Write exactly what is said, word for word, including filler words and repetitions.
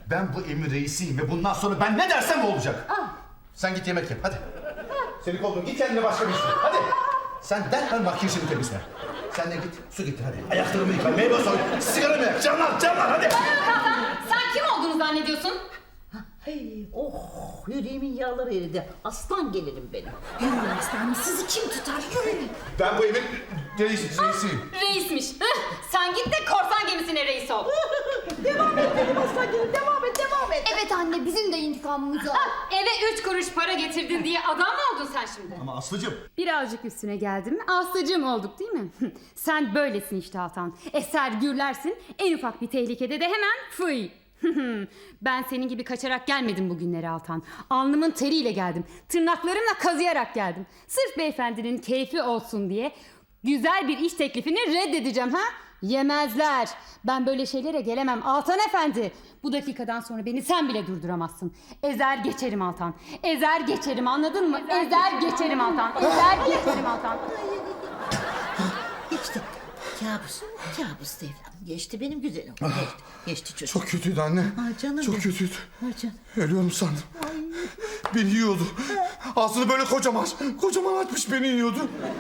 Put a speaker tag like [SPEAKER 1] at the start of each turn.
[SPEAKER 1] Ben bu evin reisiyim ve bundan sonra ben ne dersem o olacak.
[SPEAKER 2] Ah.
[SPEAKER 1] Sen git yemek yap hadi. Seni kovdum, git kendine başka bir iş bul. Hadi. Sen derhal makyajını temizle. Sen de git su getir hadi. Ayaklarımı yıka, meyve soy, sigaramı yak. Canlar, canlar hadi.
[SPEAKER 3] Hakan, sen kim olduğunu zannediyorsun?
[SPEAKER 2] Hey, oh, yüreğimin yağları eridi. Aslan gelirim benim. Yürüyün aslanım, sizi kim tutar? Yürüyün.
[SPEAKER 1] Ben bu evin reis, reisiyim.
[SPEAKER 3] Reismiş. Hıh, sen git de korsan gemisine reis ol.
[SPEAKER 2] Devam et benim aslan gelirim, devam et, devam et.
[SPEAKER 4] Evet anne, bizim de intikamımız var.
[SPEAKER 3] Ha, eve üç kuruş para getirdin diye adam mı oldun sen şimdi?
[SPEAKER 1] Ama Aslı'cığım.
[SPEAKER 3] Birazcık üstüne geldim mi Aslıcığım olduk değil mi? Sen böylesin işte Hakan. Eser gürlersin, en ufak bir tehlikede de hemen fıy. Ben senin gibi kaçarak gelmedim bugünlere Altan. Alnımın teriyle geldim. Tırnaklarımla kazıyarak geldim. Sırf beyefendinin keyfi olsun diye güzel bir iş teklifini reddedeceğim ha? Yemezler. Ben böyle şeylere gelemem Altan Efendi. Bu dakikadan sonra beni sen bile durduramazsın. Ezer geçerim Altan. Ezer geçerim, anladın mı? Ezer geçerim Altan. Ezer geçerim Altan.
[SPEAKER 2] Geçti. Kabus, kabus evladım. Geçti benim güzelim. Geçti, geçti çocuk.
[SPEAKER 1] Çok kötüydü anne.
[SPEAKER 2] Ay canım
[SPEAKER 1] Çok
[SPEAKER 2] benim.
[SPEAKER 1] kötüydü.
[SPEAKER 2] Ay canım.
[SPEAKER 1] Ölüyorum sandım. Beni yiyordu. Ağzını böyle kocaman, kocaman açmış beni yiyordu.